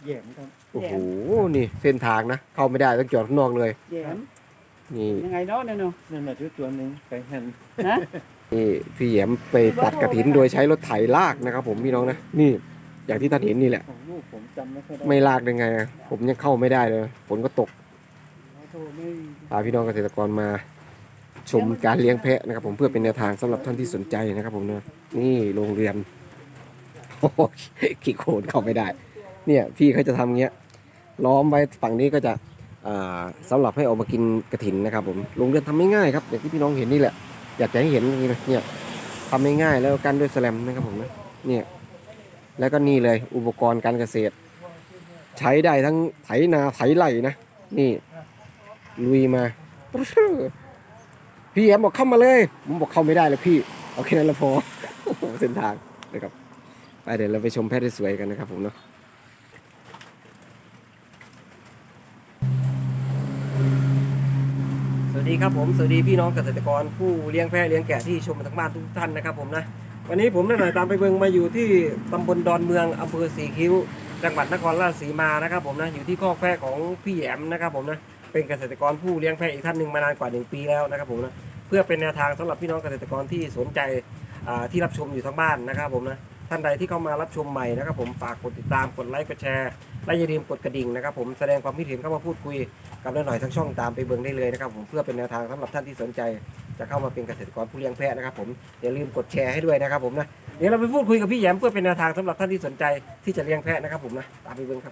แย่มครับโอ้โหนี่เส้นทางนะเข้าไม่ได้ต้องจอดข้างนอกเลยแยมนี่ยังไงเนาะเนี่ยเนาะนั่นน่ะตัวหนึงไปหันฮะนี่พี่แหยมไปตัดกระถินโดยใช้รถไถลากนะครับผมพี่น้องนะนี่อย่างที่ท่านเห็นนี่แหละของลูกผมจำไม่ค่อยได้ไม่ลากได้ไงอะผมยังเข้าไม่ได้เลยฝนก็ตกโทรไม่พาพี่น้องเกษตรกรมาชมการเลี้ยงแพะนะครับผมเพื่อเป็นแนวทางสำหรับท่านที่สนใจนะครับผมนะนี่โรงเรือนโอ้โหขี้โคลนเข้าไม่ได้ เนี่ยพี่เขาจะทำเงี้ยล้อมไว้ฝั่งนี้ก็จะสำหรับให้ออกมากินกระถินนะครับผมโรงเรือนทำไม่ง่ายครับอย่างที่พี่น้องเห็นนี่แหละอยากจะให้เห็นอย่างนี้นะเนี่ยทำไม่ง่ายแล้วกันด้วยแสลมนะครับผมนะเนี่ยแล้วก็นี่เลยอุปกรณ์การเกษตร ใช้ได้ทั้งไถนาไถไร่นะนี่ลุยมาพี่แอมบอกเข้ามาเลยผมบอกเข้าไม่ได้เลยพี่เอาแค่นั้นละพอ เส้นทางนะครับไปเดี๋ยวเราไปชมแพะที่สวยกันนะครับผมเนาะสวัสดีครับผมสวัสดีพี่น้องเกษตรกรผู้เลี้ยงแพะเลี้ยงแกะที่ชมมาทั้งบ้านทุกท่านนะครับผมนะวันนี้ผมได้หน่อยตามไปเบิงมาอยู่ที่ตำบลดอนเมืองอำเภอสีคิ้วจังหวัดนครราชสีมานะครับผมนะอยู่ที่คอกแพะของพี่แอมนะครับผมนะเป็นเกษตรกรผู้เลี้ยงแพะอีกท่านหนึ่งมานานกว่า1 ปีแล้วนะครับผมนะเพื่อเป็นแนวทางสำหรับพี่น้องเกษตรกรที่สนใจที่รับชมอยู่ทั้งบ้านนะครับผมนะท่านใดที่เข้ามารับชมใหม่นะครับผมฝากกดติดตามกดไลค์กดแชร์และอย่าลืมกดกระดิ่งนะครับผมแสดงความคิดเห็นเข้ามาพูดคุยกับน้าหน่อยทั้งช่องตามไปเบิงได้เลยนะครับผมเพื่อเป็นแนวทางสำหรับท่านที่สนใจจะเข้ามาเป็นเกษตรกรผู้เลี้ยงแพะนะครับผมอย่าลืมกดแชร์ให้ด้วยนะครับผมนะเดี๋ยวเราไปพูดคุยกับพี่แหยมเพื่อเป็นแนวทางสำหรับท่านที่สนใจที่จะเลี้ยงแพะนะครับผมนะตามไปเบิงครับ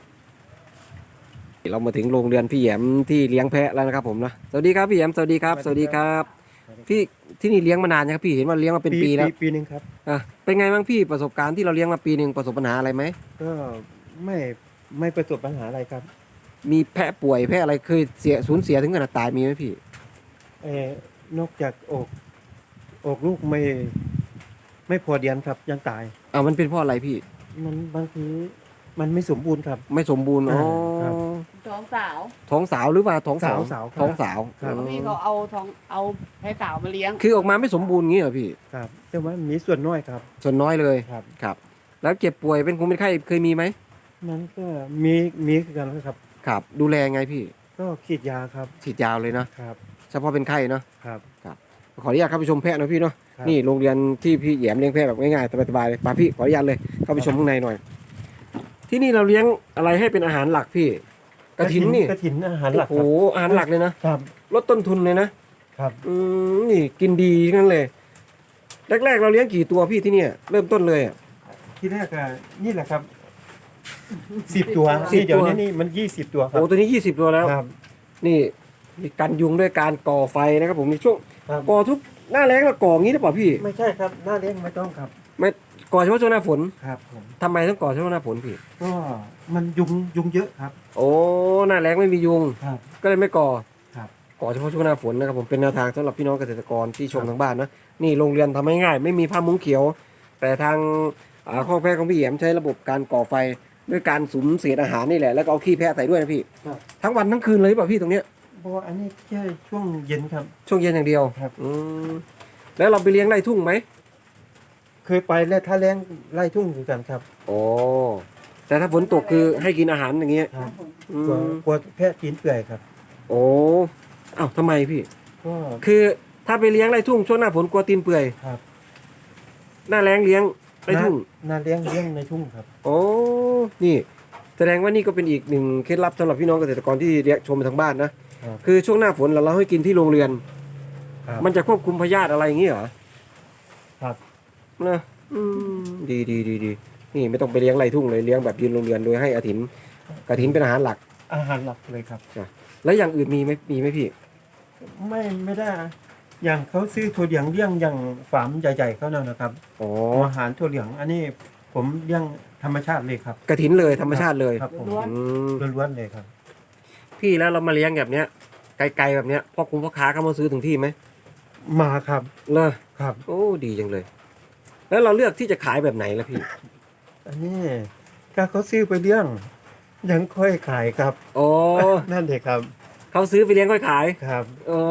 เรามาถึงโรงเรือนพี่แหยมที่เลี้ยงแพะแล้วนะครับผมนะสวัสดีครับพี่แหยมสวัสดีครับสวัสดีครับพี่ที่นี่เลี้ยงมานานยังครับพี่เห็นว่าเลี้ยงมาเป็นปีแล้วปีหนึงครับเป็นไงบ้างพี่ประสบการณ์ที่เราเลี้ยงมาปีหนึ่งประสบปัญหาอะไรไหมก็ไม่ไม่ประสบปัญหาอะไรครับมีแพะป่วยแพะอะไรเคยสูญเสียถึงขนาดตายมีไหมพี่นอกจากอกลูกไม่พอเดือนครับยังตายมันเป็นเพราะอะไรพี่มันบางทีมันไม่สมบูรณ์ครับไม่สมบูรณ์อ๋อครับท้องสาวท้องสาวหรือว่าท้องสาวสาวครับท้องสาวครับอ๋อพี่เขาเอาให้สาวมาเลี้ยงคือออกมาไม่สมบูรณ์งี้เหรอพี่ครับแต่ว่ามีส่วนน้อยครับส่วนน้อยเลยครับครับ แล้วเจ็บป่วยเป็นคงเป็นไข้เคยมีไหมมันก็มีกันครับครับ ดูแลไงพี่ก็ขีดยาครับฉีดยาวเลยนะครับ เฉพาะเป็นไข้เนาะครับขออนุญาตเข้าไปชมแพะหนะพี่เนาะครับนี่โรงเรียนที่พี่แหยมเลี้ยงแพะแบบง่ายๆสบายๆเลยมาพี่ขออนุญาตเลยเข้าไปชมข้างในหน่อย ที่นี่เราเลี้ยงอะไรให้เป็นอาหารหลักพี่กระถินนี่กระถินอาหารหลักโอ้โหอาหารหลักเลยนะครับ ลดต้นทุนเลยนะครับ นี่กินดีทั้งนั้นเลยแรกๆเราเลี้ยงกี่ตัวพี่ที่เนี่ยเริ่มต้นเลยอ่ะที่แรกก็นี่แหละครับ10 ตัว 10 นี่เดี๋ยวตัวนี้มัน20 ตัวครัโอ้ตัวนี้20ตัวแล้วครับนี่มีกันยุงด้วยการก่อไฟนะครับผมในช่วงครับก่อทุกหน้าแล้งเราก่องี้หรือเปล่าพี่ไม่ใช่ครับหน้าเลี้ยงไม่ต้องครับไม่ก่อเฉพาะช่วงหน้าฝนครับผมทำไมต้องก่อเฉพาะหน้าฝนพี่ก็มันยุงเยอะครับโอ้หน้าแล้งไม่มียุงครับก็เลยไม่ก่อครับก่อเฉพาะช่วงหน้าฝนนะครับผมเป็นแนวทางสำหรับพี่น้องเกษตรกรที่ชมทางบ้านนะนี่โรงเรือนทำง่ายๆไม่มีผ้ามุ้งเขียว แต่ทางข้อแพะของพี่แหยมใช้ระบบการก่อไฟด้วยการสุมเศษอาหารนี่แหละแล้วก็เอาขี้แพะใส่ด้วยนะพี่ครับทั้งวันทั้งคืนเลยหรือเปล่าพี่ตรงเนี้ยเพราะว่าอันนี้แค่ช่วงเย็นครับช่วงเย็นอย่างเดียวครับแล้วเราไปเลี้ยงไร่ทุ่งไหมเคยไปแล้วถ้าเลี้ยงไล่ทุ่งอยู่กันครับโอ้แต่ถ้าฝนตกคือให้กินอาหารอย่างเงี้ยครับอืกลัวมแพะกินเปื่อยครับโอ้อ้าวทำไมพี่ก็คือถ้าไปเลี้ยงไร่ทุ่งช่วงหน้าฝนกลัวตีนเปื่อยครับหน้าแล้งเลี้ยงไร่ทุ่งนาเลี้ยงในทุ่งครับโอ้นี่แสดงว่านี่ก็เป็นอีกหนึ่งเคล็ดลับสำหรับพี่น้องเกษตรกรที่เลี้ยงชมทางบ้านนะครับ คือช่วงหน้าฝนเราให้กินที่โรงเรือนครับมันจะควบคุมพยาธิอะไรอย่างงี้เหรอครับนะดีนี่ไม่ต้องไปเลี้ยงไร่ทุ่งเลยเลี้ยงแบบยืนโรงเรือนโดยให้กระถินเป็นอาหารหลักอาหารหลักเลยครับแล้วอย่างอื่นมีไหมพี่ไม่ได้ อย่างเขาซื้อถั่วเหลืองเลี้ยงอย่างฟาร์มใหญ่ๆเขานั่นนะครับอ๋ออาหารถั่วเหลืองอันนี้ผมเลี้ยงธรรมชาติเลยครับกระถินเลยธรรมชาติเลยครับผมอืมล้วนๆเลยครับพี่แล้วเรามาเลี้ยงแบบเนี้ยไกลๆแบบเนี้ยพ่อคุ้มพ่อค้าเขามาซื้อถึงที่ไหมมาครับเลอครับโอ้ดีจังเลย แล้วเราเลือกที่จะขายแบบไหนล่ะพี่อันนี้ถ้าเขาซื้อไปเลี้ยงยังค่อยขายครับโอ้นั่นเลยครับเขาซื้อไปเลี้ยงค่อยขายครับโอ้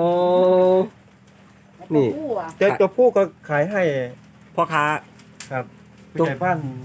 นี่ผู้อ่ะแต่ตัวผู้ก็ขายให้พ่อค้าครับผู้ตัวใหญ่บ้าน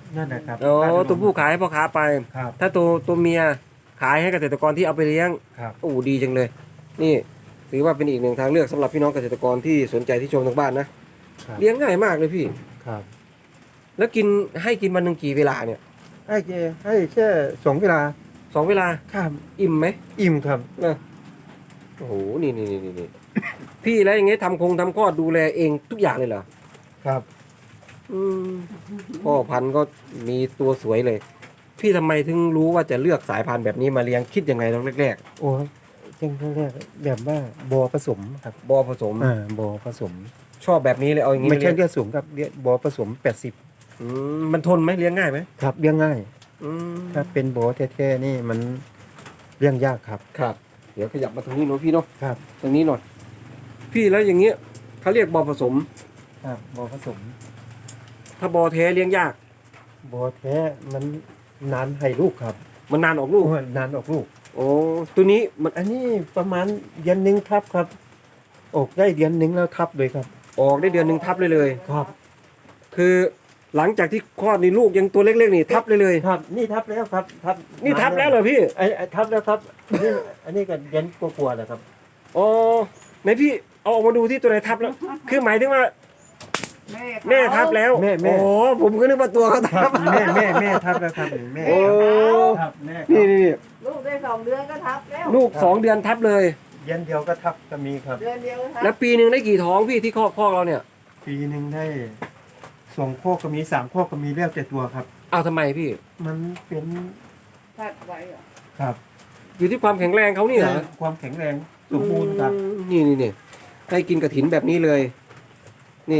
นั่นนะครับอ๋อตัวผู้ขายให้พ่อค้าไปครับถ้าตัวเมียขายให้เกษตรกรที่เอาไปเลี้ยงครับโอ้ดีจังเลย นี่ถือว่าเป็นอีกหนึ่งทางเลือกสำหรับพี่น้องเกษตรกรที่สนใจที่ชมทางบ้านนะครับ เลี้ยงง่ายมากเลยพี่ครับแล้วให้กินวันหนึ่งกี่เวลาเนี่ยให้แค่2 เวลา 2 เวลาครับอิ่มไหมอิ่มครับนะโอ้โหนี่พี่แล้วอย่างเงี้ยทำคลอดดูแลเองทุกอย่างเลยเหรอครับอืมพ่อพันธุ์ก็มีตัวสวยเลย พี่ทำไมถึงรู้ว่าจะเลือกสายพันธุ์แบบนี้มาเลี้ยงคิดยังไงตอนแรกโอ้ยเช่นแรกแบบว่าบ่อผสมครับๆบอผสมบ่อผสมชอบแบบนี้เลยเอาอย่างนี้ไม่ใช่เลี้ยงเลือดสูงครับบ่อผสม80 มันทนไหมเลี้ยงง่ายไหมครับเลี้ยงง่ายอืมถ้าเป็นบ่อแท้ๆนี่มันเลี้ยงยากครับครับ เดี๋ยวขยับมาตรงนี้หน่อยพี่เนาะครับตรงนี้หน่อยพี่แล้วอย่างเงี้ยเขาเรียกบอผสมครับบ่อผสมถ้าบอแท้เลี้ยงยากบ่อแท้มันนานให้ลูกครับมันนานออกลูกโอ้ยนานออกลูกโอ้ตัวนี้มันอันนี้ประมาณเดือนหนึงทับครับ ออกได้เดือนหนึงแล้วทับเลยครับออกได้เดือนหนึ่งทับเลยครับคือหลังจากที่คลอดนี่ลูกยังตัวเล็กๆนี่ทับเลยครับนี่ทับแล้วครับทับนี่ทับแล้วเหรอพี่ไอ้ทับแล้วครับอันนี้ก็เดือนกว่าๆแล้วครับอ๋อไหนพี่เอาออกมาดูที่ตัวไหนทับแล้ว คือหมายถึงว่าแม่ทับแล้วแม่โอ้ผมก็นึกว่าตัวเขาทับแม่ทับแล้วครับแม่โอ้ครับแม่นี่ลูกได้2 เดือนก็ทับแล้วลูก2 เดือนทับเลยเดือนเดียวก็ทับก็มีครับเดือนเดียวก็ทับแล้วปีหนึ่งได้กี่ท้องพี่ที่คอกเราเนี่ยปีหนึ่งได้2 ข้อก็มี3 ข้อก็มีแล้วแต่ตัวครับเอาทำไมพี่มันเป็นทับไว้เหรอครับอยู่ที่ความแข็งแรงเขานี่เหรอความแข็งแรงสมบูรณ์ครับนี่ให้กินกระถินแบบนี้เลย นี่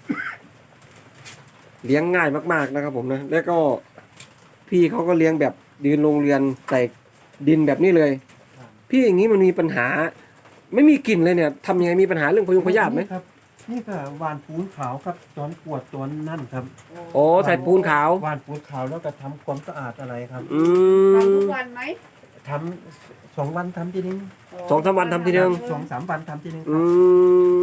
เลี้ยงง่ายมากๆนะครับผมนะแล้วก็พี่เขาก็เลี้ยงแบบยืนโรงเรือนใส่ดินแบบนี้เลย พี่อย่างนี้มันมีปัญหา ไม่มีกลิ่นเลยเนี่ยทำยังไงมีปัญหาเรื่องพยุงพยาธิไหมครับ นี่ก็หวานปูนขาวครับตอนปวดตอนนั่นครับโอ้ใส่ปูนขาวหวานปูนขาวแล้วก็ทำความสะอาดอะไรครับอืทำทุมกวันไหมทำ2 วันทำทีนึง 2-3 วันทำทีนึง 2-3 วันทำทีนึงอืม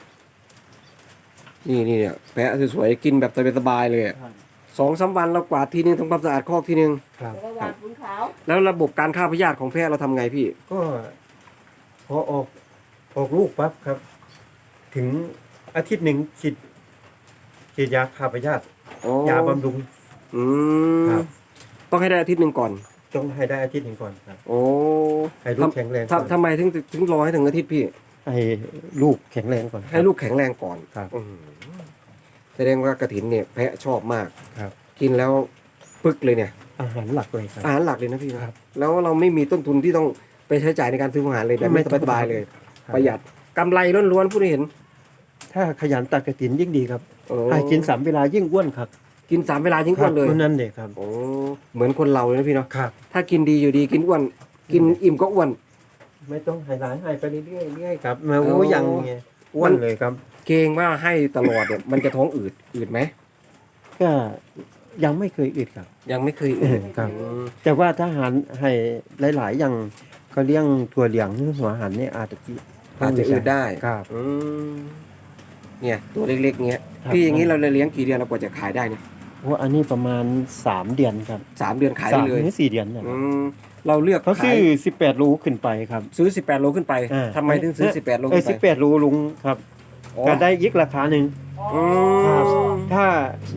นี่เนี่ยแพะสวยๆกินแบบสบายๆเลยอะครับ 2-3 วันเรากวาดทีนึงทำความสะอาดคอกทีนึงครับแล้วก็หวานปูนขาวแล้วระบบการฆ่าพยาธิของแพะเราทำไงพี่ก็พอออกลูกปั๊บครับ ถึงอาทิตย์หนึ่งฉีดยาฆ่าพยาธิอ๋อยาบำรุงอืมครับต้องให้ได้อาทิตย์หนึ่งก่อนต้องให้ได้อาทิตย์หนึ่งก่อนครับโอ้ให้ลูกแข็งแรงก่อนทำไมถึงรอให้ถึงอาทิตย์พี่ให้ลูกแข็งแรงก่อนให้ลูกแข็งแรงก่อนครับอืมแสดงว่ากระถินเนี่ยแพะชอบมากครับกินแล้วปึกเลยเนี่ยอาหารหลักเลยครับอาหารหลักเลยนะพี่นะครับ แล้วเราไม่มีต้นทุนที่ต้องไปใช้จ่ายในการซื้ออาหารเลยแบบไม่นี้ต้องสบายๆเลยครับประหยัดกำไรล้วนๆผู้ที่เห็นถ้าขยันตัดกระถินยิ่งดีครับโอ้ให้กิน3 เวลายิ่งอ้วนครับกิน3 เวลายิ่งอ้วนเลยครับนั่นเด็กครับโอ้เหมือนคนเราเลยนะพี่เนาะครับถ้ากินดีอยู่ดีกินอ้วน กินอิ่มก็อ้วนไม่ต้องให้ร้ายให้ไปเรื่อยๆครับมาโอ้โอ้ยังไงอ้วนเลยครับเกรงว่าให้ตลอดเนี่ยมันจะท้องอืดไหมก็ยังไม่เคยอึดครับยังไม่เคยอืดครับอืมแต่ว่าถ้าหารให้หลายๆอย่างเขาเลี้ยงตัวเหลียงหรือหัวหันเนี่ยอาจจะอาจจะอืดได้ครับอืมเนี่ยตัวเล็กๆเงี้ยครับพี่อย่างนี้เราเลี้ยงกี่เดือนเรากว่าจะขายได้เนี่ยโอ้อันนี้ประมาณ3 เดือนครับ 3 เดือนขายได้เลย 3 ถึง 4 เดือนเนี่ยอืมเราเลือกเขาขาซื้ยอ18 โลขึ้นไปครับซื้อ18 โลขึ้นไปอ่าทำไมถึงซื้อ18 โลขึ้นไป 18 โลลุงครับอ๋อก็ได้อีกราคาหนึ่งอืครับมถ้า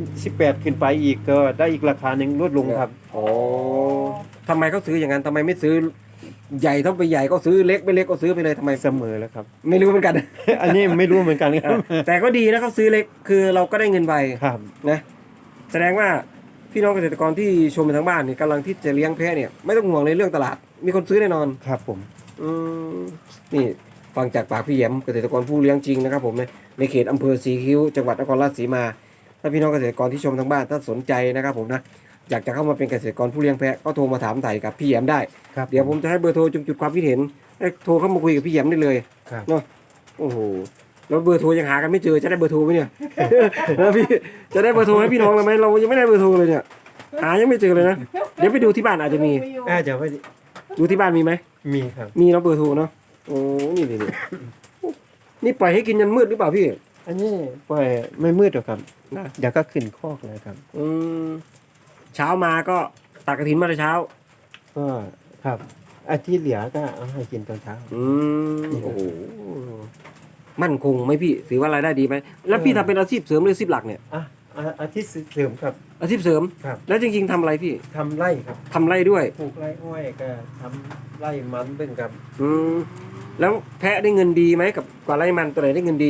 18 ขึ้นไปอีกก็ได้อีกราคาหนึ่งลดลงครับโอ้ทำไมเขาซื้ออย่างนั้นทำไมไม่ซื้อใหญ่เท่าไปใหญ่ก็ซื้อเล็กไม่เล็กก็ซื้อไปเลยทำไมเสมอแล้วครับไม่รู้เหมือนกันอันนี้ไม่รู้เหมือนกันครับแต่ก็ดีนะเขาซื้อเล็กคือเราก็ได้เงินไวครับนะแสดงว่าพี่น้องเกษตรกรที่ชมอยู่ทางบ้านเนี่ยกำลังที่จะเลี้ยงแพะเนี่ยไม่ต้องห่วงในเรื่องตลาด มีคนซื้อแน่นอนครับผมอืมนี่ฟังจากปากพี่แย้มเกษตรกรผู้เลี้ยงจริงนะครับผมในเขตอำเภอสีคิ้วจังหวัดนครราชสีมา ถ้าพี่น้องเกษตรกรที่ชมทางบ้านถ้าสนใจนะครับผมนะอยากจะเข้ามาเป็นเกษตรกรผู้เลี้ยงแพะก็โทรมาถามไถ่กับพี่แย้มได้ครับเดี๋ยวผมจะให้เบอร์โทรจุดความคิดเห็นให้โทรเข้ามาคุยกับพี่แย้มได้เลยครับเนาะโอ้โหแล้วเบอร์โทรยังหากันไม่เจอจะได้เบอร์โทรไหมเนี่ย แล้วพี่จะได้เบอร์โทรให้พี่น้องเลยไหมเรายังไม่ได้เบอร์โทรเลยเนี่ยหายังไม่เจอเลยนะเดี๋ยวไปดูที่บ้านอาจจะมีเดี๋ยวไปดูที่บ้านมีไหมมีครับมีเนาะเบอร์โทรเนาะโอ้นี่นี่ปล่อยให้กินยันมืดหรือเปล่าพี่อันนี้ปล่อยไม่มืดหรอกครับนะเดี๋ยวก็ขึ้นคอกเลยครับอืมเช้ามาก็ตักกระถินมาแต่เช้าก็ครับอาทิตย์เหลือก็เอาให้กินตอนเช้าโอ้โหมั่นคงไหมพี่ถือว่ารายได้ดีไหมแล้วพี่ทำเป็นอาชีพเสริมหรืออาชีพหลักเนี่ยอาทิตย์เสริมครับอาชีพเสริมครับแล้วจริงๆทำอะไรพี่ทำไร่ครับทำไร่ด้วยปลูกไร่อ้อยก็ทำไร่มันเป็นครับแล้วแพะได้เงินดีไหมกับกว่าไร่มันตัวไหนได้เงินดี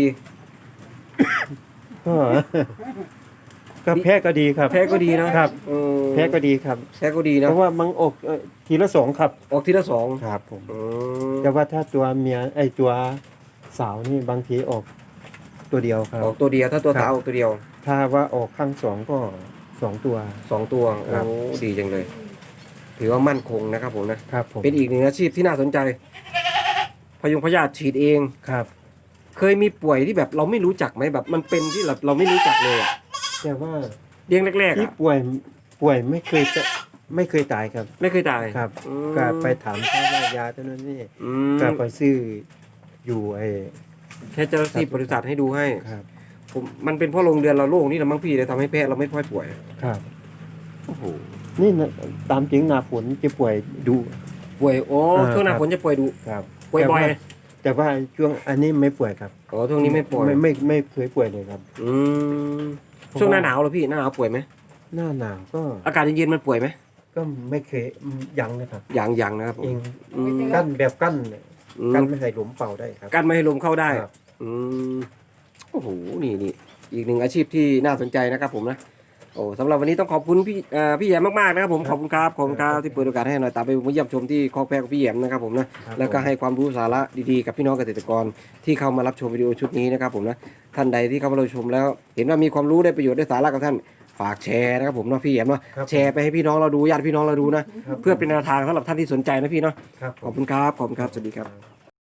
ก็ ก็แพะก็ดีครับแพะก็ดีนะครับแพะก็ดีครับแพะก็ดีเพนะราะว่ามันออกทีละสองครับออกทีละสองครับผมอืมแต่ว่าถ้าตัวเมียตัวสาวนี่บางทีออกตัวเดียวครับออกตัวเดียวถ้าตัวครับสาวออกตัวเดียวถ้าว่าออกข้างสองก็สองตัว 2 ตัวครับโอ้ดีจังเลย ถือว่ามั่นคงนะครับผมนะครับผมเป็นอีกหนึ่งอาชีพที่น่าสนใจพยุงพยาธิฉีดเองครับเคยมีป่วยที่แบบเราไม่รู้จักไหมแบบมันเป็นที่แบบเราไม่รู้จักเลยอะแต่ว่าเลี้ยงแรกๆที่อะป่วยไม่เคยตายครับไม่เคยตายครับอืมก็ไปถามเขาว่ายาตัวนั้นนี่อืมก็ไปซื้ออยู่แค่เจ้าหน้าที่บริษัทให้ดูให้ครับผมมันเป็นเพราะโรงเรือนเราโล่งนี่แหละมั้งพี่เลยทำให้แพะเราไม่ค่อยป่วยครับโอ้โหนี่นะตามจริงหนาฝนจะป่วยดูป่วยโอ้ ช่วงหน้าครับฝนจะป่วยดุครับป่วยบ่อยแต่ว่าช่วงอันนี้ไม่ป่วยครับอ๋อช่วงนี้ไม่ป่วยไม่เคยป่วยเลยครับอืมช่วงหน้าหนาวเหรอพี่หน้าหนาวป่วยไหมหน้าหนาวก็อากาศเย็นๆมันป่วยไหมก็ไม่เคยยังนะครับอย่างนะครับผมเองอืมกั้นแบบกั้นเนี่ยอืมกั้นไม่ให้ลมเป่าได้ครับกันไม่ให้ลมเข้าได้ครับอืมโอ้โหนี่อีกหนึ่งอาชีพที่น่าสนใจนะครับผมนะโอ้สำหรับวันนี้ต้องขอบคุณพี่แยมมากๆนะครับผมขอบคุณครับที่เปิดโอกาสให้หน่อยตามไปเยี่ยมชมที่คอกแพะของพี่แยมนะครับผมนะครับ แล้วก็ให้ความรู้สาระดีๆกับพี่น้องเกษตรกรที่เข้ามารับชมวิดีโอชุดนี้นะครับผมนะท่านใดที่เข้ามารับชมแล้ว เห็นว่ามีความรู้ได้ประโยชน์ได้สาระกับท่านฝากแชร์นะครับผมเนาะพี่แยมเนาะครับแชร์ไปให้พี่น้องเราดูญาติพี่น้องเราดูนะครับเพื่อเป็นแนวทางสำหรับท่านที่สนใจนะพี่เนาะครับขอบคุณครับสวัสดีครับ